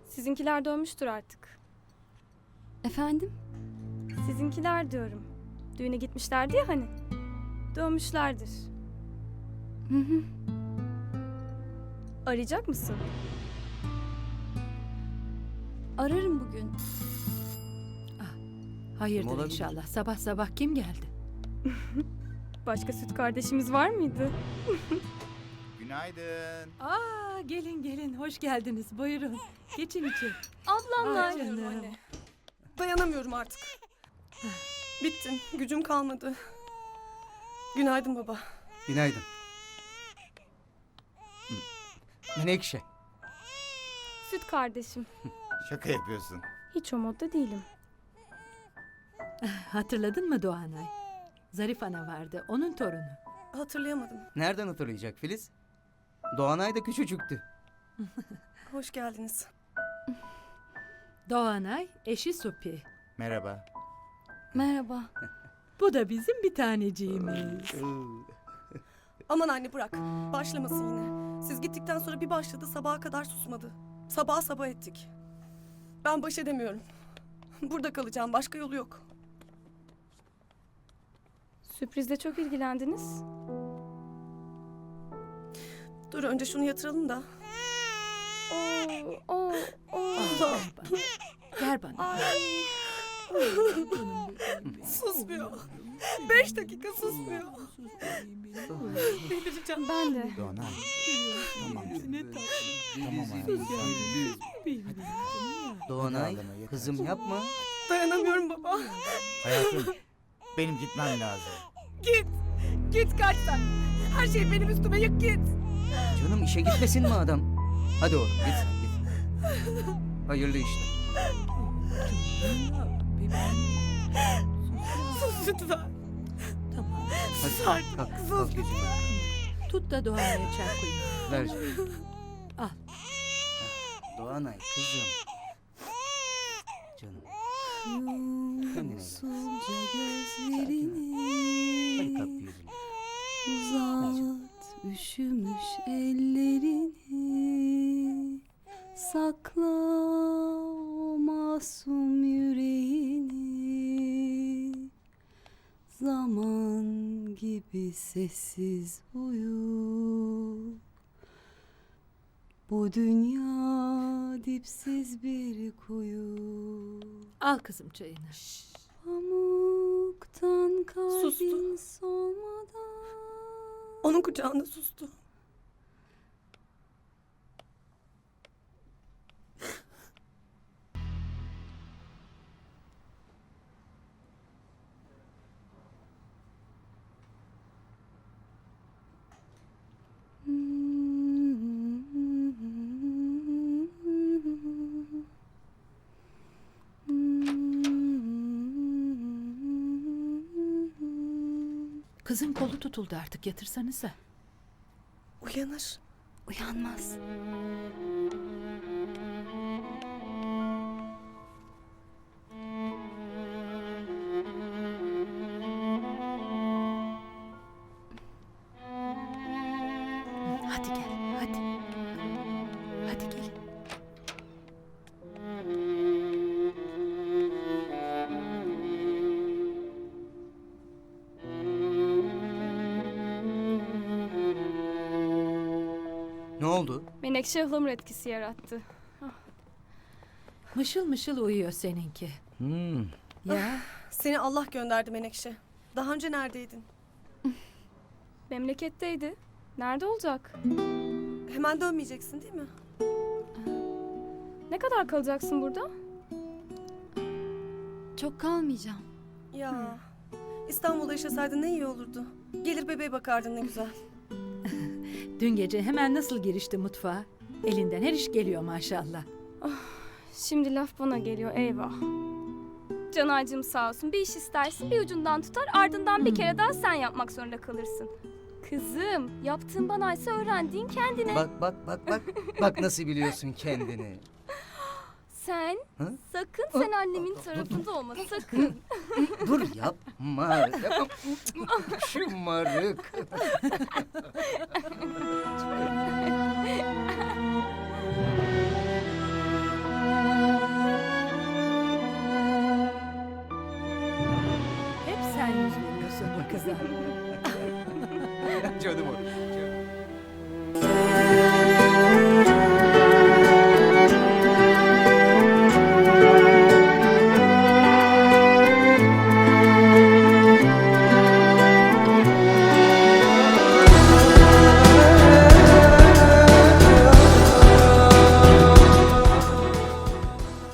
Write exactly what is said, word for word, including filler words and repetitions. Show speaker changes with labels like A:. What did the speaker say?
A: Sizinkiler dönmüştür artık.
B: Efendim?
A: Sizinkiler diyorum. Düğüne gitmişlerdi ya hani. Dönmüşlerdir.
B: Hı hı.
A: Arayacak mısın?
B: Ararım bugün.
C: Hayırdır
D: Olabilir.
C: inşallah. Sabah sabah kim geldi?
A: Başka süt kardeşimiz var mıydı?
D: Günaydın.
C: Aa, gelin gelin. Hoş geldiniz. Buyurun. Geçin içeri.
A: Ablamlar.
C: Ay canım.
E: Anne. Dayanamıyorum artık. Bittim. Gücüm kalmadı. Günaydın baba.
D: Günaydın. Menekşe.
A: Süt kardeşim.
D: Şaka yapıyorsun.
A: Hiç o modda değilim.
C: Hatırladın mı Doğanay? Zarif ana vardı. Onun torunu.
E: Hatırlayamadım.
D: Nereden hatırlayacak Filiz? Doğanay da küçücüktü.
E: Hoş geldiniz.
C: Doğanay, eşi Supi.
D: Merhaba.
B: Merhaba.
C: Bu da bizim bir taneciğimiz.
E: Aman anne bırak. Başlamasın yine. Siz gittikten sonra bir başladı sabaha kadar susmadı. Sabah sabah ettik. Ben baş edemiyorum. Burada kalacağım. Başka yolu yok.
A: Sürprizle çok ilgilendiniz.
E: Dur önce şunu yatıralım da.
A: Oo, oo, oo.
C: Ver bana. Ver bana.
E: Susmuyor. Beş dakika susmuyor. Delireceğim.
A: Ben de.
D: Doğanay. Tamam.
C: Ne tatlı.
D: Tamam hayatım. Doğanay, kızım yapma.
E: Dayanamıyorum baba.
F: Hayatım, benim gitmem lazım.
E: Git. Git kaç sen. Her şey benim üstüme yık git.
D: Canım işe gitmesin mi adam? Hadi oğlum git sen git. Hayırlı işler.
E: Sus lütfen.
C: Tamam.
D: Hadi kalk kalk. kalk yüzüme.
C: Tut da Doğanay'a çay koyayım.
D: Ver canım.
C: Al.
D: Doğanay kızım. Canım. Kendine gel.
B: Yumsulca
D: Hadi
B: gözlerini
D: kalk bir yüzüne.
B: uzat, üşümüş ellerini sakla o masum yüreğini zaman gibi sessiz uyu. Bu dünya dipsiz bir kuyu.
C: Al kızım çayını.
B: Pamuktan kalbin
E: Sustu.
B: solmadan.
E: Onun kucağında sustu.
C: Kızın kolu tutuldu artık. Yatırsanıza.
E: Uyanır.
B: Uyanmaz.
C: Hadi gel. Hadi. Hadi gel.
D: Ne oldu?
A: Menekşe ıhlamur etkisi yarattı.
C: Mışıl mışıl uyuyor seninki.
D: Hmm.
C: Ya.
E: Seni Allah gönderdi Menekşe. Daha önce neredeydin?
A: Memleketteydi. Nerede olacak?
E: Hemen dönmeyeceksin değil mi?
A: Ne kadar kalacaksın burada?
B: Çok kalmayacağım.
E: Ya. İstanbul'da yaşasaydın ne iyi olurdu. Gelir bebeğe bakardın ne güzel.
C: Dün gece hemen nasıl girişti mutfağa? Elinden her iş geliyor maşallah.
A: Şimdi laf bana geliyor eyvah. Canaycığım sağ olsun bir iş istersin bir ucundan tutar ardından bir kere daha sen yapmak zorunda kalırsın. Kızım yaptığın bana ise öğrendiğin kendine.
D: Bak bak bak bak. Bak nasıl biliyorsun kendini.
A: Sen
D: Hı?
A: sakın sen annemin tarafında olma sakın.
D: Dur yapma. Yapma. Şımarık.
C: bakıyorsun bu kıza?
D: Canım o. Canım.